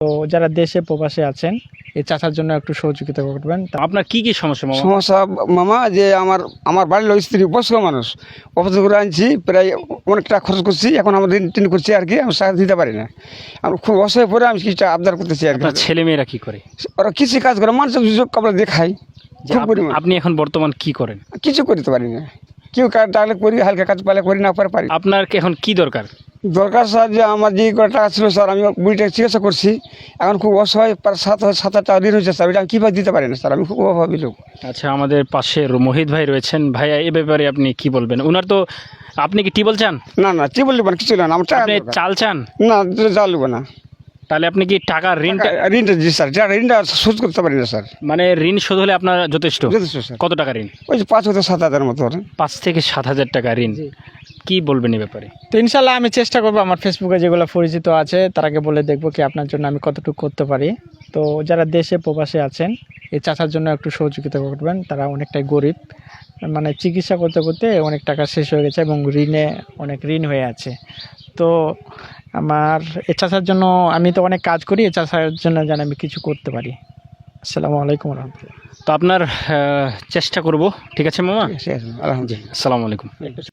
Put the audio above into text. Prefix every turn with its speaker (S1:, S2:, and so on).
S1: তো যারা দেশে প্রবাসে আছেন এই চাচার জন্য একটু সহযোগিতা করবেন।
S2: আপনার কি কি সমস্যা মামা?
S3: সমস্যা মামা যে আমার বাড়ির লোক স্ত্রী বয়স্ক মানুষ, অফিস করে আনছি, প্রায় অনেক টাকা খরচ করছি, এখন আমার ঋণ টিন করছি আর কি, আমি সাহায্য দিতে পারি না। আমি খুব অসহায় পরে আমি কিছুটা আবদার করতেছি আর কি।
S2: আপনার ছেলে মেয়েরা কি করে?
S3: ওরা কিছু কাজ করে, মানুষের সুযোগ কাপড় দেখায়
S2: যে
S3: খুব পরিমাণ।
S2: আপনি এখন বর্তমান কি করেন?
S3: কিছু করতে পারি না, কেউ কাজ ডাকলে করি, হালকা কাজ পালে করি, না পারি।
S2: আপনার এখন কি দরকার?
S3: দরকার স্যার যে আমার যে কটা টাকা ছিল স্যার, আমি বুড়িটা চিকিৎসা করছি, এখন খুব অসহায়, প্রায় 7,000 টাকা ঋণ হয়েছে স্যার, ওইটা আমি কীভাবে দিতে পারি না স্যার, আমি খুব অভাবী লোক।
S2: আচ্ছা, আমাদের পাশে মোহিত ভাই রয়েছেন। ভাইয়া, এ ব্যাপারে আপনি কি বলবেন? ওনার তো, আপনি কি টিবল চান?
S3: না কি বললি কিছু না, আমার টাকা
S2: আপনি
S3: দরকার।
S2: চাল চান?
S3: না, জানলব না।
S2: তাহলে আপনি কি টাকার ঋণটা,
S3: ঋণটা জি স্যার, ঋণটা শোধ করতে পারি না স্যার।
S2: মানে ঋণ শোধ হলে আপনার যথেষ্ট?
S3: যথেষ্ট স্যার।
S2: কত টাকা ঋণ?
S3: ওই যে 5,000-7,000 মতো।
S2: 5 থেকে 7,000 টাকা ঋণ। কি বলবেন এই ব্যাপারে?
S1: তো ইনশাল্লাহ আমি চেষ্টা করবো আমার ফেসবুকে যেগুলো পরিচিত আছে তারাকে বলে দেখবো কি আপনার জন্য আমি কতটুকু করতে পারি। তো যারা দেশে প্রবাসে আছেন এই চাচার জন্য একটু সহযোগিতা করবেন। তারা অনেকটাই গরিব, মানে চিকিৎসা করতে করতে অনেক টাকা শেষ হয়ে গেছে এবং অনেক ঋণ হয়ে আছে। তো আমার এই চাচার জন্য, আমি তো অনেক কাজ করি, এই চাচার জন্য যেন আমি কিছু করতে পারি। আসসালামু আলাইকুম রহমতুল্লাহ।
S2: তো আপনার চেষ্টা করব। ঠিক আছে মামা?
S3: আলহামদুলিল্লাহ।
S2: আসসালামু আলাইকুম।